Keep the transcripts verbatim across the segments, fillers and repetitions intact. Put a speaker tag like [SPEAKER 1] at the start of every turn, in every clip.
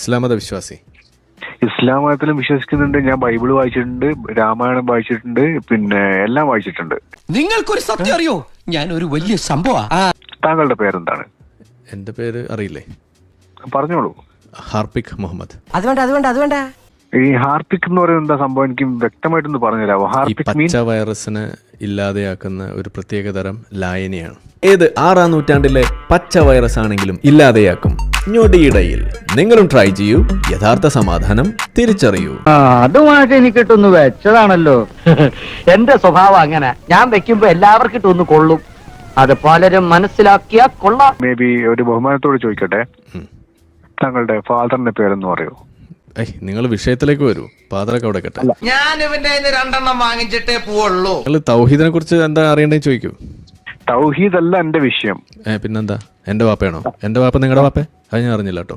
[SPEAKER 1] ഇസ്ലാം മത വിശ്വാസി.
[SPEAKER 2] ഇസ്ലാം മതത്തിലും വിശ്വസിക്കുന്നുണ്ട്. ഞാൻ ബൈബിൾ വായിച്ചിട്ടുണ്ട്, രാമായണം വായിച്ചിട്ടുണ്ട്, പിന്നെ എല്ലാം വായിച്ചിട്ടുണ്ട്.
[SPEAKER 3] നിങ്ങൾക്കൊരു സത്യം അറിയോ? ഞാൻ ഒരു വലിയ സംഭവം.
[SPEAKER 2] താങ്കളുടെ പേരെന്താണ്?
[SPEAKER 1] എന്റെ പേര് അറിയില്ലേ?
[SPEAKER 2] പറഞ്ഞോളൂ.
[SPEAKER 1] ഹാർപിക് മുഹമ്മദ്.
[SPEAKER 3] അത് വേണ്ട അത് വേണ്ട അത് വേണ്ട.
[SPEAKER 2] ഈ ഹാർപിക് എന്ന് പറയുന്നത് എന്താ സംഭവം? എനിക്ക് വ്യക്തമായിട്ടൊന്ന് പറഞ്ഞുതരാമോ?
[SPEAKER 1] ഈ
[SPEAKER 2] ഹാർപിക്
[SPEAKER 1] പച്ച വൈറസിനെ ഇല്ലാതെയാക്കുന്ന ഒരു പ്രത്യേകതരം ലായനിയാണ്. ഏത് ആറാം നൂറ്റാണ്ടിലെ പച്ച വൈറസ് ആണെങ്കിലും ഇല്ലാതെയാക്കും ഞൊടിയിടയിൽ. നിങ്ങളും ട്രൈ ചെയ്യൂ, യഥാർത്ഥ സമാധാനം തിരിച്ചറിയൂ.
[SPEAKER 4] അതുമായിട്ട് എനിക്ക് ഇട്ടൊന്ന് വെച്ചതാണല്ലോ. എന്റെ സ്വഭാവം അങ്ങനെ, ഞാൻ വെക്കുമ്പോ എല്ലാവർക്കും ഇട്ടൊന്ന് കൊള്ളും. അത് പലരും മനസ്സിലാക്കിയാ കൊള്ളാം.
[SPEAKER 2] മേ ബി ഒരു ബഹുമാനത്തോട് ചോദിക്കട്ടെ, താങ്കളുടെ ഫാദറിന്റെ പേരെന്ന് പറയൂ.
[SPEAKER 1] ഏയ് നിങ്ങൾ വിഷയത്തിലേക്ക് വരൂ. ഫാദറൊക്കെ അവിടെ കേട്ടെ.
[SPEAKER 3] ഞാൻ ഇവന്റെ രണ്ടെണ്ണം വാങ്ങിച്ചിട്ടേ പോവുള്ളൂ.
[SPEAKER 1] നിങ്ങൾ തൗഹീദിനെ കുറിച്ച് എന്താ അറിയണ്ടെന്ന് ചോദിക്കൂ.
[SPEAKER 2] തൗഹീദ് അല്ല എന്റെ വിഷയം.
[SPEAKER 1] ഏ പിന്നെന്താ? എന്റെ വാപ്പയാണോ? എന്റെ വാപ്പ നിങ്ങളുടെ വാപ്പ? അത് ഞാൻ അറിഞ്ഞില്ല കേട്ടോ.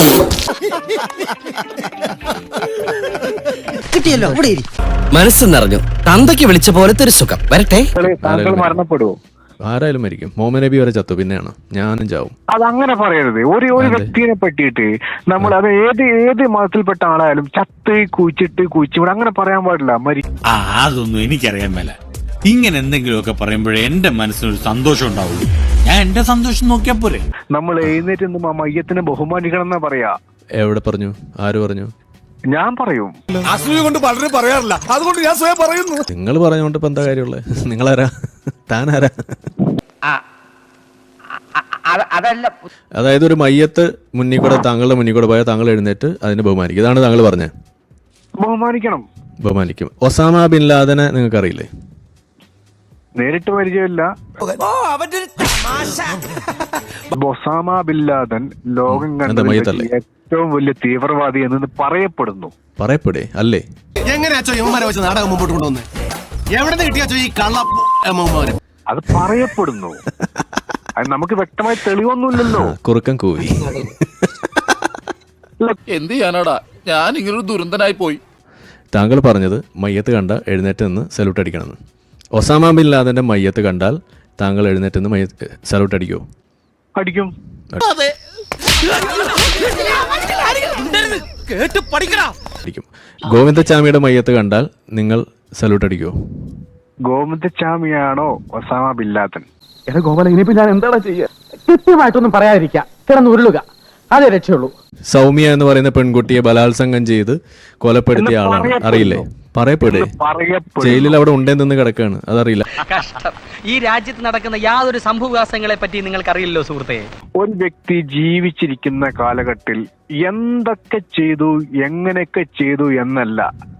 [SPEAKER 3] കിട്ടിയല്ലോ, ഇവിടെ ഇരി.
[SPEAKER 5] മനസ്സ് നിറഞ്ഞു. തന്തയ്ക്ക് വിളിച്ച പോലത്തെ ഒരു സുഖം. വരട്ടെ.
[SPEAKER 2] താങ്കൾ മരണപ്പെടുവോ?
[SPEAKER 1] ആരായാലും മരിക്കും. മുഹമ്മദ് നബി വരെ ചത്തു, പിന്നെയാണ് ഞാനും ചാവും.
[SPEAKER 2] അതങ്ങനെ പറയരുത്. ഒരു ഒരു വ്യക്തിനെ പറ്റിയിട്ട് നമ്മൾ അത് ഏത് ഏത് മതത്തിൽപ്പെട്ട ആളായാലും ചത്ത് കുഴിച്ചിട്ട് കുഴിച്ചുകൂടെ അങ്ങനെ പറയാൻ പാടില്ല. മരി
[SPEAKER 6] ആ അതൊന്നും എനിക്കറിയാൻ മേല. ഇങ്ങനെ എന്തെങ്കിലുമൊക്കെ പറയുമ്പോഴേ എന്റെ മനസ്സിനൊരു സന്തോഷം ഉണ്ടാവുള്ളൂ. ഞാൻ എന്റെ സന്തോഷം നോക്കിയാ പോരെ.
[SPEAKER 2] നമ്മൾ എഴുന്നേറ്റ് നിന്ന് ആ മയ്യത്തിനെ ബഹുമാനിക്കണം എന്നാ പറയാ.
[SPEAKER 1] എവിടെ പറഞ്ഞു? ആര് പറഞ്ഞു?
[SPEAKER 2] ഞാൻ പറയും.
[SPEAKER 7] അസൂയ കൊണ്ട് പലരും പറയാറില്ല, അതുകൊണ്ട് ഞാൻ സ്വയം പറയുന്നു.
[SPEAKER 1] നിങ്ങൾ പറഞ്ഞുകൊണ്ട് ഇപ്പൊ എന്താ കാര്യമുള്ളത്? നിങ്ങളാരാ? താനാരാ?
[SPEAKER 4] അതല്ല,
[SPEAKER 1] അതായത് ഒരു മയ്യത്ത് മുന്നിൽ കൂടെ താങ്കളുടെ മുന്നിൽ കൂടെ പോയാൽ താങ്കൾ എഴുന്നേറ്റ് അതിനെ ബഹുമാനിക്കും. ഇതാണ് താങ്കൾ പറഞ്ഞത്.
[SPEAKER 2] ബഹുമാനിക്കണം.
[SPEAKER 1] ബഹുമാനിക്കും. ഒസാമ ബിൻ ലാദനെ നിങ്ങൾക്ക് അറിയില്ലേ?
[SPEAKER 2] നേരിട്ട് പരിചയമില്ല. ഒസാമ ബിൻ ലാദൻ ലോകം കണ്ട ഏറ്റവും വലിയ തീവ്രവാദി എന്ന് പറയപ്പെടുന്നു.
[SPEAKER 1] പറയപ്പെടേ അല്ലേ?
[SPEAKER 7] എങ്ങനെയാച്ചോ യുവമാരെ വെച്ച് നാടകം മുമ്പോട്ട് കൊണ്ടുവന്ന് എവിടെ നിന്ന് കിട്ടിയാച്ചോ ഈ കള്ള?
[SPEAKER 2] അത് പറയപ്പെടുന്നു. അത് നമുക്ക് വ്യക്തമായി തെളിവൊന്നുമില്ലല്ലോ.
[SPEAKER 1] കുറുക്കൻ കൂവി.
[SPEAKER 8] എന്ത് ചെയ്യാനാടാ, ഞാൻ ഇങ്ങനൊരു ദുരന്തനായി പോയി.
[SPEAKER 1] താങ്കൾ പറഞ്ഞത് മയ്യത്ത് കണ്ട എഴുന്നേറ്റ് നിന്ന് സല്യൂട്ട് അടിക്കണമെന്ന്. ഒസാമ ബിൻ ലാദന്റെ മയ്യത്ത് കണ്ടാൽ താങ്കൾ എഴുന്നേറ്റ് നിന്ന് മയ്യത്ത് സല്യൂട്ട് അടിക്കോ?
[SPEAKER 2] അടിക്കും.
[SPEAKER 1] അടിക്കും. ഗോവിന്ദച്ചാമിയുടെ മയ്യത്ത് കണ്ടാൽ നിങ്ങൾ സല്യൂട്ട് അടിക്കോ?
[SPEAKER 2] ഗോവിന്ദച്ചാമിയാണോ ഒസാമ ബിൻ ലാദൻ?
[SPEAKER 4] ഗോപാല, ഇനിയിപ്പോ ഞാൻ എന്താണ് ചെയ്യുക? കൃത്യമായിട്ടൊന്നും പറയാതിരിക്കാം, കിടന്ന് ഉരുളുക, അതേ രക്ഷയുള്ളൂ.
[SPEAKER 1] സൗമ്യ എന്ന് പറയുന്ന പെൺകുട്ടിയെ ബലാത്സംഗം ചെയ്ത് കൊലപ്പെടുത്തിയ ആളാണ്. അറിയില്ലേ? പറയപ്പെടേ. ജയിലിൽ അവിടെ ഉണ്ടെന്ന് കിടക്കാണ്. അതറിയില്ല.
[SPEAKER 9] ഈ രാജ്യത്ത് നടക്കുന്ന യാതൊരു സംഭവവികാസങ്ങളെ പറ്റി നിങ്ങൾക്ക് അറിയില്ലോ സുഹൃത്തെ.
[SPEAKER 2] ഒരു വ്യക്തി ജീവിച്ചിരിക്കുന്ന കാലഘട്ടത്തിൽ എന്തൊക്കെ ചെയ്തു, എങ്ങനെയൊക്കെ ചെയ്തു എന്നല്ല,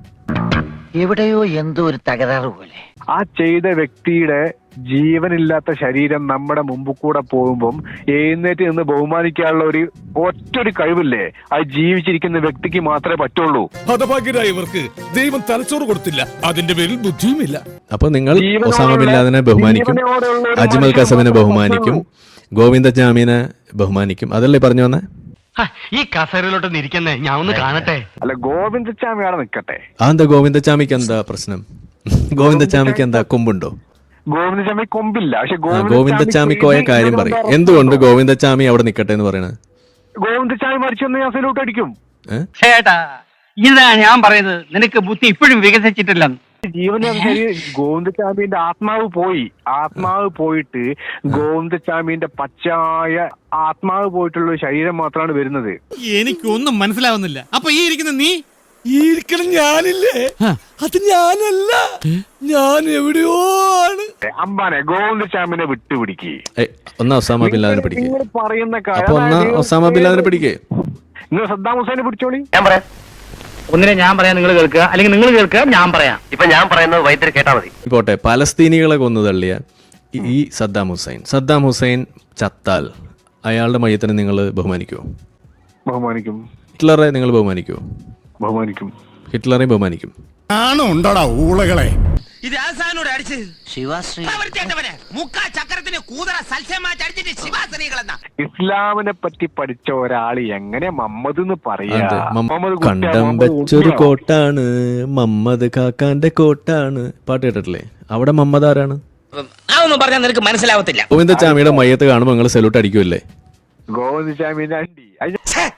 [SPEAKER 4] എവിടെയോ എന്തോ ഒരു തകരാറ് പോലെ.
[SPEAKER 2] ആ ചെയ്ത വ്യക്തിയുടെ ജീവനില്ലാത്ത ശരീരം നമ്മുടെ മുമ്പിൽ കൂടെ പോകുമ്പം എഴുന്നേറ്റ് നിന്ന് ബഹുമാനിക്കാനുള്ള ഒരു ഒറ്റൊരു കഴിവില്ലേ, അത് ജീവിച്ചിരിക്കുന്ന വ്യക്തിക്ക് മാത്രമേ പറ്റുള്ളൂ.
[SPEAKER 7] ഹതഭാഗ്യരായവർക്ക് ദൈവം തലച്ചോറ് കൊടുത്തില്ല, അതിന്റെ പേരിൽ ബുദ്ധിയുമില്ല.
[SPEAKER 1] അപ്പൊ നിങ്ങൾ ഒസാമ ബിൻ ലാദനെ ബഹുമാനിക്കും, അജ്മൽ കസബിനെ ബഹുമാനിക്കും, ഗോവിന്ദച്ചാമിനെ ബഹുമാനിക്കും. അതല്ലേ പറഞ്ഞു വന്നേ?
[SPEAKER 4] ഈ കസേരയിലോട്ടൊന്ന് ഇരിക്കുന്നേ, ഞാൻ ഒന്ന് കാണട്ടെ.
[SPEAKER 2] അല്ല, ഗോവിന്ദച്ചാമിയാണ് നിൽക്കട്ടെ.
[SPEAKER 1] അതെന്താ ഗോവിന്ദച്ചാമിക്ക് എന്താ പ്രശ്നം? ഗോവിന്ദച്ചാമിക്ക് എന്താ കൊമ്പുണ്ടോ?
[SPEAKER 2] ഗോവിന്ദച്ചാമി കൊമ്പില്ല. പക്ഷെ
[SPEAKER 1] ഗോവിന്ദച്ചാമിക്കോയ കാര്യം പറയും. എന്തുകൊണ്ട് ഗോവിന്ദച്ചാമി അവിടെ നിൽക്കട്ടെ എന്ന് പറയണത്?
[SPEAKER 2] ഗോവിന്ദച്ചാമി മരിച്ചെന്ന് ഞാൻ സല്യൂട്ട് അടിക്കും.
[SPEAKER 4] ചേട്ടാ, ഇതാ ഞാൻ പറയുന്നത്, നിനക്ക് ബുദ്ധി ഇപ്പോഴും വികസിച്ചിട്ടില്ല.
[SPEAKER 2] ജീവനനുസരി ഗോവിന്ദച്ചാമിന്റെ ആത്മാവ് പോയി. ആത്മാവ് പോയിട്ട് ഗോവിന്ദച്ചാമിന്റെ പച്ചായ ആത്മാവ് പോയിട്ടുള്ള ശരീരം മാത്രമാണ് വരുന്നത്.
[SPEAKER 6] എനിക്കൊന്നും മനസ്സിലാവുന്നില്ല. അപ്പൊ ഈ ഇരിക്കുന്ന നീ?
[SPEAKER 7] ഈ ഇരിക്കണം ഞാനില്ലേ? അത് ഞാനല്ല, ഞാൻ എവിടെയോ ആണ്.
[SPEAKER 2] അമ്പാനെ ഗോവിന്ദച്ചാമിനെ വിട്ടുപിടിക്കേ.
[SPEAKER 1] ഒന്നാ ഒസാമ ബിൻ ലാദനെ പിടിക്കേ.
[SPEAKER 2] നിങ്ങൾ പറയുന്ന
[SPEAKER 1] അപ്പൊ ഒന്നാ ഒസാമ ബിൻ ലാദനെ പിടിക്കേ.
[SPEAKER 2] നിങ്ങൾ സദ്ദാം ഹുസൈനെ പിടിച്ചോളി.
[SPEAKER 4] ഞാൻ പറയാം. ഒന്നിനെ ഞാൻ പറയാം, നിങ്ങൾ കേൾക്കുക, അല്ലെങ്കിൽ നിങ്ങൾ കേൾക്കുക, ഞാൻ പറയാം. ഇപ്പൊ ഞാൻ പറയുന്നത് വൈദ്യർ കേട്ടാ മതി.
[SPEAKER 1] പോട്ടെ, പലസ്തീനികളെ കൊന്നു തള്ളിയ ഈ സദ്ദാം ഹുസൈൻ സദ്ദാം ഹുസൈൻ ചത്താൽ അയാളുടെ മയ്യത്തിനെ നിങ്ങൾ ബഹുമാനിക്കുമോ?
[SPEAKER 2] ബഹുമാനിക്കും.
[SPEAKER 1] ഹിറ്റ്ലറെ നിങ്ങൾ ബഹുമാനിക്കുമോ?
[SPEAKER 2] ബഹുമാനിക്കും.
[SPEAKER 1] ഹിറ്റ്ലറെ ബഹുമാനിക്കും.
[SPEAKER 7] ആണോ ഉണ്ടോടാ ഊളകളെ?
[SPEAKER 3] ഇത് ആസാനോട് അടിച്ച് ശിവാശ്രീ മുക്കാ ചക്രത്തിന് കൂതറ സൽസ്യമാറ്റി അടിച്ചിട്ട് ശിവാശ്രീകളെന്നാ.
[SPEAKER 2] ഇസ്ലാമിനെ പറ്റി പഠിച്ച ഒരാൾ എങ്ങനെ മമ്മദ് എന്ന് പറയാ?
[SPEAKER 1] കണ്ടം വെച്ചൊരു കോട്ടാണ് മമ്മദ് കാക്കാന്റെ കോട്ടാണ്. പാട്ട് കേട്ടിട്ടില്ലേ? അവിടെ മമ്മദ് ആരാണ്?
[SPEAKER 9] അതൊന്നും പറഞ്ഞാൽ നിനക്ക് മനസ്സിലാവത്തില്ല.
[SPEAKER 1] ഗോവിന്ദച്ചാമിയുടെ മയ്യത്ത് കാണുമ്പോൾ നിങ്ങൾ സല്യൂട്ട് അടിക്കുമല്ലേ?
[SPEAKER 2] ഗോവിന്ദച്ചാമിന്റെ അണ്ടി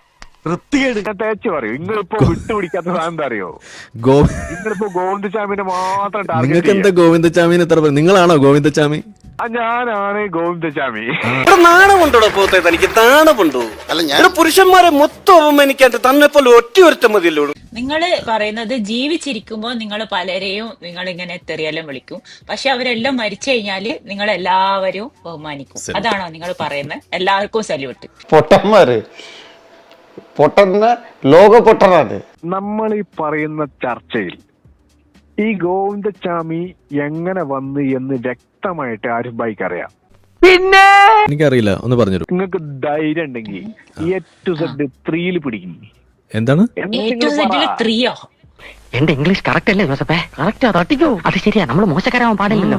[SPEAKER 2] ഞാൻ തേച്ച് പറയൂ. നിങ്ങളിപ്പോ വിട്ടുപിടിക്കാത്ത സാധനം എന്താ അറിയോ?
[SPEAKER 1] ഗോ
[SPEAKER 2] നിങ്ങളിപ്പോ ഗോവിന്ദചാമിനെ മാത്രം ടാർഗറ്റ്
[SPEAKER 1] നിങ്ങൾക്ക് എന്താ ഗോവിന്ദച്ചാമിന് എത്ര പേര്? നിങ്ങളാണോ ഗോവിന്ദച്ചാമി?
[SPEAKER 2] ആ ഞാനാണ് ഗോവിന്ദചാമി.
[SPEAKER 5] നാണമുണ്ടോ പോത്തെ തനിക്ക്? നാണമുണ്ടോ? അല്ല ഞാൻ പുരുഷന്മാരെ മൊത്തം അവമാനിക്കാണ്ട് തന്നെ പോലെ ഒറ്റ ഒരുത്തം മതിയല്ലോ.
[SPEAKER 10] നിങ്ങള് പറയുന്നത് ജീവിച്ചിരിക്കുമ്പോ നിങ്ങൾ പലരെയും നിങ്ങൾ ഇങ്ങനെ തെറിയെല്ലാം വിളിക്കും, പക്ഷെ അവരെല്ലാം മരിച്ചു കഴിഞ്ഞാല് നിങ്ങൾ എല്ലാവരും ബഹുമാനിക്കും. അതാണോ നിങ്ങൾ പറയുന്നത്? എല്ലാവർക്കും സല്യൂട്ട്.
[SPEAKER 4] പൊട്ടന്മാര് പൊട്ടന്ന ലോക പൊട്ടനാണ്.
[SPEAKER 2] നമ്മൾ ഈ പറയുന്ന ചർച്ചയിൽ ഈ ഗോവിന്ദചാമി എങ്ങനെ വന്ന് എന്ന് വ്യക്തമായിട്ട് ആരിഫ് ഭായിക്ക് അറിയാം.
[SPEAKER 1] എനിക്കറിയില്ല, ഒന്ന് പറഞ്ഞുതരൂ.
[SPEAKER 2] നിങ്ങൾക്ക് ധൈര്യം ഉണ്ടെങ്കിൽ എ ടു സെഡ് ത്രീയിൽ പിടിക്കും.
[SPEAKER 1] എന്താണ്
[SPEAKER 10] ത്രീയോ?
[SPEAKER 4] എന്റെ ഇംഗ്ലീഷ് കറക്റ്റ് അല്ലേ ജോസഫേ? കറക്റ്റാ, തട്ടിക്കോ. അത് ശരിയാ, നമ്മള് മോശക്കാരാവാൻ പാടില്ലല്ലോ.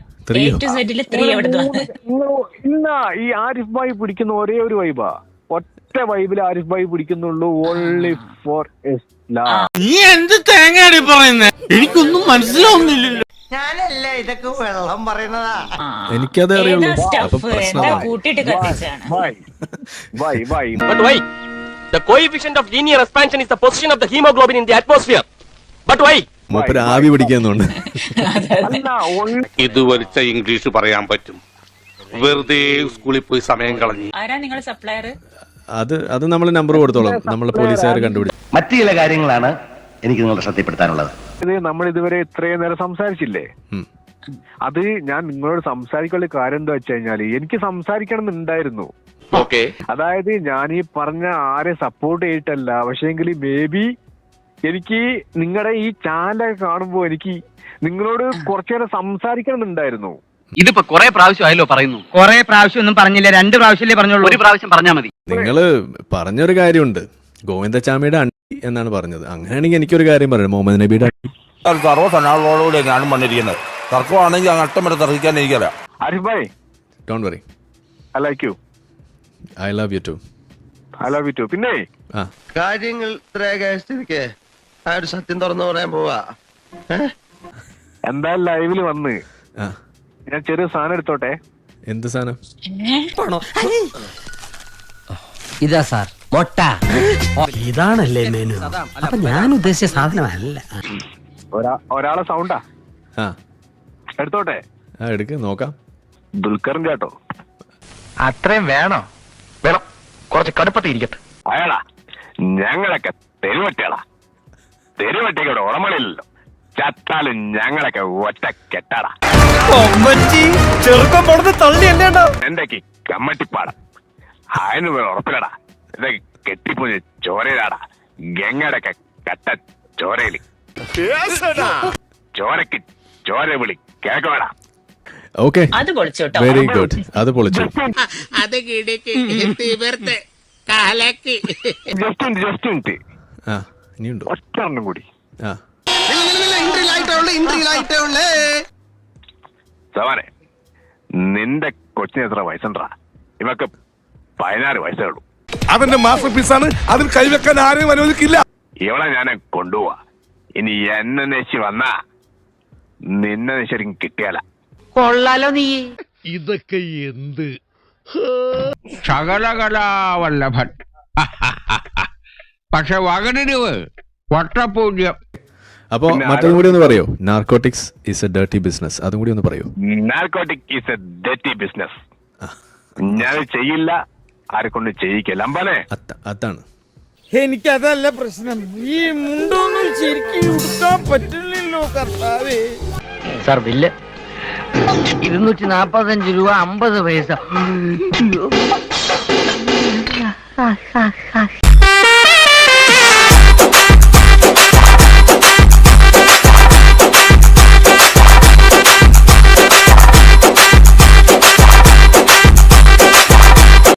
[SPEAKER 2] ഇല്ല, ഈ ആരിഫ് ഭായി പിടിക്കുന്ന ഒരേ ഒരു വൈബാ, ഒറ്റ വൈബിൽ ആരിഫ് ഭായി പിടിക്കുന്നുള്ളൂ. Only for Islam.
[SPEAKER 6] നീ എന്ത് തേങ്ങയാടി പറയുന്നേ? എനിക്കൊന്നും മനസ്സിലാവുന്നില്ലല്ലോ.
[SPEAKER 3] ഞാനല്ലേ ഇതൊക്കെ വെള്ളം പറയുന്നതാ.
[SPEAKER 1] എനിക്കതേ അറിയുള്ളൂ. അപ്പൊ
[SPEAKER 10] എന്താ കൂട്ടിട്ട് കത്തിച്ചാണ്?
[SPEAKER 2] Bhai bhai bhai
[SPEAKER 9] But why? The coefficient of linear expansion is the position of the hemoglobin in the atmosphere. But why?
[SPEAKER 1] മൂപ്പര് ആവി പിടിക്കുന്നുണ്ട്.
[SPEAKER 2] അല്ല, only
[SPEAKER 8] ഇത് വലിച്ച ഇംഗ്ലീഷ് പറയാൻ പറ്റും. വെറുതെ സ്കൂളിൽ പോയി സമയം കളഞ്ഞു.
[SPEAKER 10] ആരാ നിങ്ങൾ സപ്ലയർ?
[SPEAKER 1] അത് അത് നമ്മൾ നമ്പർ കൊടുത്തോളാം, നമ്മളെ പോലീസുകാർ കണ്ടുപിടിച്ചു.
[SPEAKER 4] മറ്റു ചില കാര്യങ്ങളാണ് എനിക്ക് നിങ്ങളുടെ ശ്രദ്ധപ്പെടുത്താനുള്ളത്.
[SPEAKER 2] ഇത് നമ്മൾ ഇതുവരെ ഇത്രയും നേരം സംസാരിച്ചില്ലേ?
[SPEAKER 1] ഉം.
[SPEAKER 2] അത് ഞാൻ നിങ്ങളോട് സംസാരിക്കാനുള്ള കാര്യം എന്താ വെച്ച് കഴിഞ്ഞാല് എനിക്ക് സംസാരിക്കണം എന്നുണ്ടായിരുന്നു.
[SPEAKER 8] ഓക്കെ,
[SPEAKER 2] അതായത് ഞാൻ ഈ പറഞ്ഞ ആരെ സപ്പോർട്ട് ചെയ്തിട്ടല്ല, പക്ഷേങ്കിൽ മേ ബി എനിക്ക് നിങ്ങളുടെ ഈ ചാനൽ കാണുമ്പോ എനിക്ക് നിങ്ങളോട് കുറച്ചു നേരം സംസാരിക്കണം എന്നുണ്ടായിരുന്നു.
[SPEAKER 9] ഇതിപ്പോ കൊറേ പ്രാവശ്യം ആയല്ലോ പറയുന്നു. കൊറേ പ്രാവശ്യം ഒന്നും പറഞ്ഞില്ല, രണ്ട് പ്രാവശ്യമല്ലേ പറഞ്ഞോളൂ. ഒരു പ്രാവശ്യം പറഞ്ഞാ മതി.
[SPEAKER 1] നിങ്ങള് പറഞ്ഞൊരു കാര്യമുണ്ട്, ഗോവിന്ദച്ചാമിയുടെ അണ്ടി എന്നാണ് പറഞ്ഞത്. അങ്ങനെയാണെങ്കിൽ എനിക്കൊരു കാര്യം പറയാം, മുഹമ്മദ് നബിയുടെ അണ്ടി.
[SPEAKER 8] സർവ്വസനാളോടുകൂടി ഞാനും വന്നിരിക്കുന്നത്. തർക്കമാണെങ്കിൽ അങ്ങ് അട്ടം വരെ തർക്കിക്കാൻ എനിക്കല്ല.
[SPEAKER 2] Arif bhai,
[SPEAKER 1] don't worry,
[SPEAKER 2] I like you.
[SPEAKER 1] I love you too.
[SPEAKER 2] I love you too. പിന്നെ
[SPEAKER 1] ആ
[SPEAKER 7] കാര്യങ്ങൾ ഇത്രയൊക്കെ ആ ഒരു സത്യം തുറന്നു പറയാൻ പോവാ.
[SPEAKER 2] എന്തായാലും ലൈവില് വന്ന്
[SPEAKER 1] ആ
[SPEAKER 2] ഞാൻ ചെറിയ സാധനം എടുത്തോട്ടെ.
[SPEAKER 1] എന്ത് സാധനം?
[SPEAKER 5] ഇതാ സാർ മൊട്ട. ഇതാണല്ലേ മെനു? അപ്പൊ ഞാൻ ഉദ്ദേശിച്ച സാധനമല്ല.
[SPEAKER 2] ഒരാ ഒരാളെ സൗണ്ടാ
[SPEAKER 1] ആ
[SPEAKER 2] എടുത്തോട്ടെ.
[SPEAKER 1] ആ എടുക്ക് നോക്കാം.
[SPEAKER 2] ദുൽഖറിന്റെ കേട്ടോ.
[SPEAKER 4] അത്രയും വേണോ? വേണം, കുറച്ച് കടുപ്പത്തിൽ ഇരിക്കട്ടെ.
[SPEAKER 2] അയാളാ ഞങ്ങളൊക്കെ തെരുവട്ടികളാ. തെരുവട്ടിക്ക് ഇവിടെ ഉടമകളില്ലല്ലോ. ചത്താലും ഞങ്ങളൊക്കെ ഒറ്റ കെട്ടാടാ.
[SPEAKER 5] ചെറുപ്പം കൊടുത്ത് തള്ളിയല്ലേണ്ടോ?
[SPEAKER 2] എന്തൊക്കെ കമ്മട്ടിപ്പാടാ. അതിന് ഉറപ്പിലടാ. ഇതൊക്കെ കെട്ടിപ്പൊഞ്ഞ് ചോരയിലാടാ. ഗംഗയുടെയൊക്കെ കട്ട ചോരയില്. ചോരക്ക് ചോര വിളി കേൾക്കണടാ.
[SPEAKER 1] ഓക്കെ,
[SPEAKER 10] അത് പൊളിച്ചോട്ടോ.
[SPEAKER 1] Very good. അത് പൊളിച്ചു.
[SPEAKER 3] അത് കിടക്ക് തീവർത്ത് കാലക്ക്.
[SPEAKER 2] ജസ്റ്റ് മിനിറ്റ് ജസ്റ്റ് മിനിറ്റ്
[SPEAKER 1] ആ ഇനിയുണ്ടോ?
[SPEAKER 2] ഒറ്റ എണ്ണം കൂടി.
[SPEAKER 1] ആ
[SPEAKER 2] സവാനെ, നിന്റെ കൊച്ചിന് എത്ര വയസ്സുണ്ടാ? ഇവക്ക് പതിനാറ് വയസ്സേ ഉള്ളൂ.
[SPEAKER 8] അവന്റെ മാസ്റ്റർ പീസാണ്, അതിൽ കൈവെക്കാൻ ആരെയും അനുവദിക്കില്ല.
[SPEAKER 2] ഇവളെ ഞാൻ കൊണ്ടുപോവാ. ഇനി എന്നെ നെശി വന്നാ നിന്നെ ശരിക്കും കിട്ടിയാല.
[SPEAKER 9] കൊള്ളാലോ നീ.
[SPEAKER 8] ഇതൊക്കെ എന്ത്
[SPEAKER 6] ശകലകലാവല്ലഭൻ. പക്ഷെ വകടിരിവ് വട്ടപൂജ്യം.
[SPEAKER 1] അപ്പോ മറ്റൊന്നും കൂടി ഒന്ന് പറയോ? Narcotics is a dirty business. അതും കൂടി ഒന്ന് പറയോ?
[SPEAKER 2] Narcotic is a dirty business. ഞാൻ ചെയ്യില്ല, ആരെ കൊണ്ട് ചെയ്യിക്കില്ല. അമ്പാനെ
[SPEAKER 1] അതാണ്
[SPEAKER 5] എനിക്കതല്ല പ്രശ്നം. ഈ മുണ്ടൊന്നും ശരിക്കും ഉടുക്കാൻ പറ്റില്ലല്ലോ കർത്താവേ.
[SPEAKER 4] സാർ ബില്ല് ഇരുന്നൂറ്റി നാപ്പത്തഞ്ച് രൂപ അമ്പത് പൈസ.